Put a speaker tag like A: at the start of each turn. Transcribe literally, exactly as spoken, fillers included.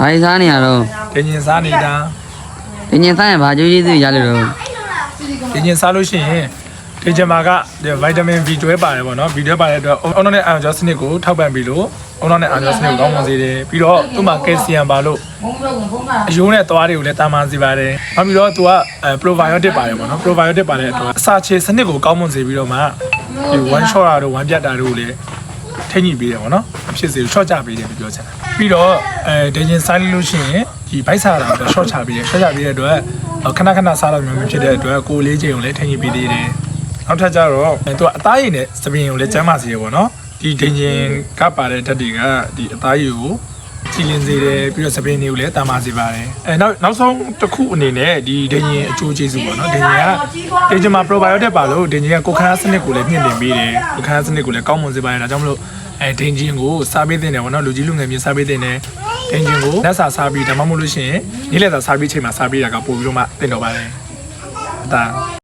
A: ဘာစားနေရတော့
B: ဒင်းကျင်စားနေတာ
A: ဒီညစားရင်ဘာကြိုးကြီးစုရလို့တော့
B: ဒင်းကျင်စားလို့ရှိရင်ဒင်းကျင်မှာကဗိုက်တာမင် B တွဲပါတယ်ပေါ့နော် B တွဲပါတဲ့အတွက်အုံနောက်နဲ့အာဂျောစနစ်ကိုထောက်ပံ့ပြီးလို့အုံနောက်နဲ့အာဂျောစနစ်ကိုကောင်းမွန်စေတယ်ပြီးတော့သူ့မှာကယ်လ်ဆီယမ်ပါလို့အယိုးနဲ့သွားတွေကိုလည်းတာမန်စေပါတယ်နောက်ပြီးတော့သူကအဲ probiotic ပါတယ်ပေါ့နော် probiotic ပါတဲ့အတွက်အစာချေစနစ်ကိုကောင်းမွန်စေပြီးတော့မှဒီ one shot တာတို့ one ပြတ်တာတို့ကိုလည်းထိန်းညှိပေးတယ်ပေါ့နော်အဖြစ်စေကို short ချပေးတယ်ပြောချင်တာပြီးတော့အဲဒင်းကျင်စားလို့ရှိရင်ဒီဗိုက်စားတာကို short ချပေးတယ် short ချပေးတဲ့အတွက်ခဏခဏစားလို့မျိုးမျိုးဖြစ်တဲ့အတွက်ကိုလေးချိန်ကိုလည်းထိန်းညှိပေးသေးတယ်နောက်ထပ်ကျတော့သူကအသားရည်နဲ့စပင်ကိုလည်းကျန်းမာစေရပေါ့နော်ဒီဒင်းကျင်ကပါတဲ့ဓာတ်တွေကဒီအသားရည်ကိုကြည်လင်စေတယ်ပြီးတော့စပင်တွေကိုလည်းတာမာစေပါတယ်အဲနောက်နောက်ဆုံးတစ်ခုအနေနဲ့ဒီဒင်းကျင်အကျိုးကျေးဇူးပေါ့နော်ဒင်းကျင်ကဒင်းကျင်မှာ probiotic ပါလို့ဒင်းကျင်ကကိုယ်ခန္ဓာစနစ်ကိုလည်းမြင့်တင်ပေးတယ်ကိုယ်ခန္ဓာစနစ်ကိုလည်းကောင်းမွန်စေပါတယ်ဒါကြောင့်မလို့အဲဒင်းကျင်ကိုစားပေးတဲ့တယ်ပေါ့နော်လူကြီးလူငယ်မျိုးစားပေးတဲ့တယ်ဒင်းကျင်ကိုလက်စာစားပြီးဒါမှမဟုတ်လို့ရှိရင်နေ့လည်စာစားပြီးချိန်မှာစားပြီးတာကပို့ပြီးတော့မှတင်တော့ပါတယ်ဒါ